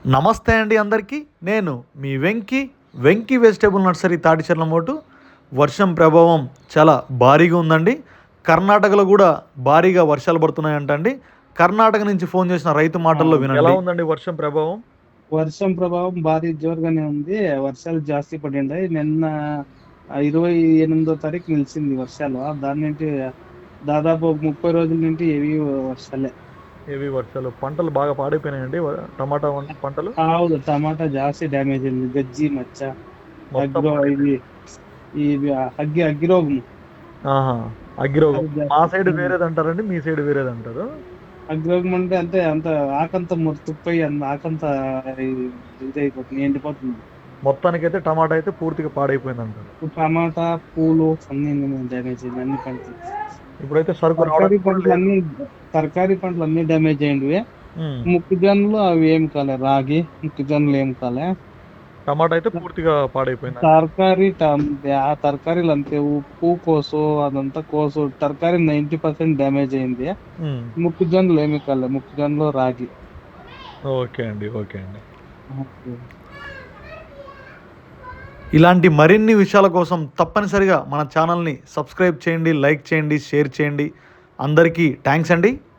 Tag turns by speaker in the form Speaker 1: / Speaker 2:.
Speaker 1: నమస్తే అండి అందరికీ. నేను మీ వెంకీ వెజిటేబుల్ నర్సరీ తాటిచెర్ల మోటు. వర్షం ప్రభావం చాలా భారీగా ఉందండి. కర్ణాటకలో కూడా భారీగా వర్షాలు పడుతున్నాయంటండి. కర్ణాటక నుంచి ఫోన్ చేసిన రైతు మాటల్లో వినండి. ఎలా ఉందండి వర్షం ప్రభావం?
Speaker 2: వర్షం ప్రభావం భారీ జోరుగానే ఉంది. వర్షాలు జాస్తి పడిండాయి. నిన్న 28వ తారీఖు నిలిచింది వర్షాలు. దాని నుండి దాదాపు 30 రోజుల నుండి హెవీ వర్షాలే.
Speaker 1: హెవీ వర్షాలు, పంటలు బాగా పాడైపోయినాయండి. టమాటా పంటలు
Speaker 2: అవును, టమాటా జాస్తి డ్యామేజ్ అయింది. గజ్జి మచ్చ,
Speaker 1: మొత్తం
Speaker 2: అగ్రో
Speaker 1: పాడైపోయింది.
Speaker 2: ఇది అగ్గిరోగం.
Speaker 1: ఆహా, అగ్గిరోగం.
Speaker 2: అది
Speaker 1: మా
Speaker 2: జాస్తి.
Speaker 1: సైడ్ వేరేది అంటారండి, మీ సైడ్ వేరేది అంటారు.
Speaker 2: అగ్గిరోగం అంటే అంత ఆకంతా తుప్పయి ఆకంతా ఇదైపోతుంది, ఎండిపోతుంది.
Speaker 1: మొత్తానికైతే టమాటా అయితే పూర్తిగా పాడైపోయింది అంటారు.
Speaker 2: టమాటా, పూలు అన్ని డ్యామేజ్ అయింది, అన్ని పంటలు.
Speaker 1: ఇప్పుడైతే సరుకు
Speaker 2: తరకారీ
Speaker 1: రావడానికి కూడా
Speaker 2: పంటలు
Speaker 1: లేదు.
Speaker 2: అన్ని తరకారీ పంటలు అన్ని డ్యామేజ్ అయ్యింది.
Speaker 1: ఉమ్.
Speaker 2: మొక్కజొన్నలు అవి ఏం కాలే, రాగి మొక్కజొన్నలు ఏం కాలే.
Speaker 1: టమాటా అయితే పూర్తిగా పాడైపోయింది.
Speaker 2: ఆ తరకారీలు అంతే, ఉప్పు కోసు అదంతా కోసు తరకారీ 90% డ్యామేజ్ అయింది.
Speaker 1: ఉమ్.
Speaker 2: మొక్కజొన్నలు ఏమి కాలే, మొక్కజొన్నలు రాగి.
Speaker 1: ఓకే అండి, ఓకే అండి. ఇలాంటి మరిన్ని విషయాల కోసం తప్పనిసరిగా మన ఛానల్ని సబ్స్క్రైబ్ చేయండి, లైక్ చేయండి, షేర్ చేయండి. అందరికీ థ్యాంక్స్ అండి.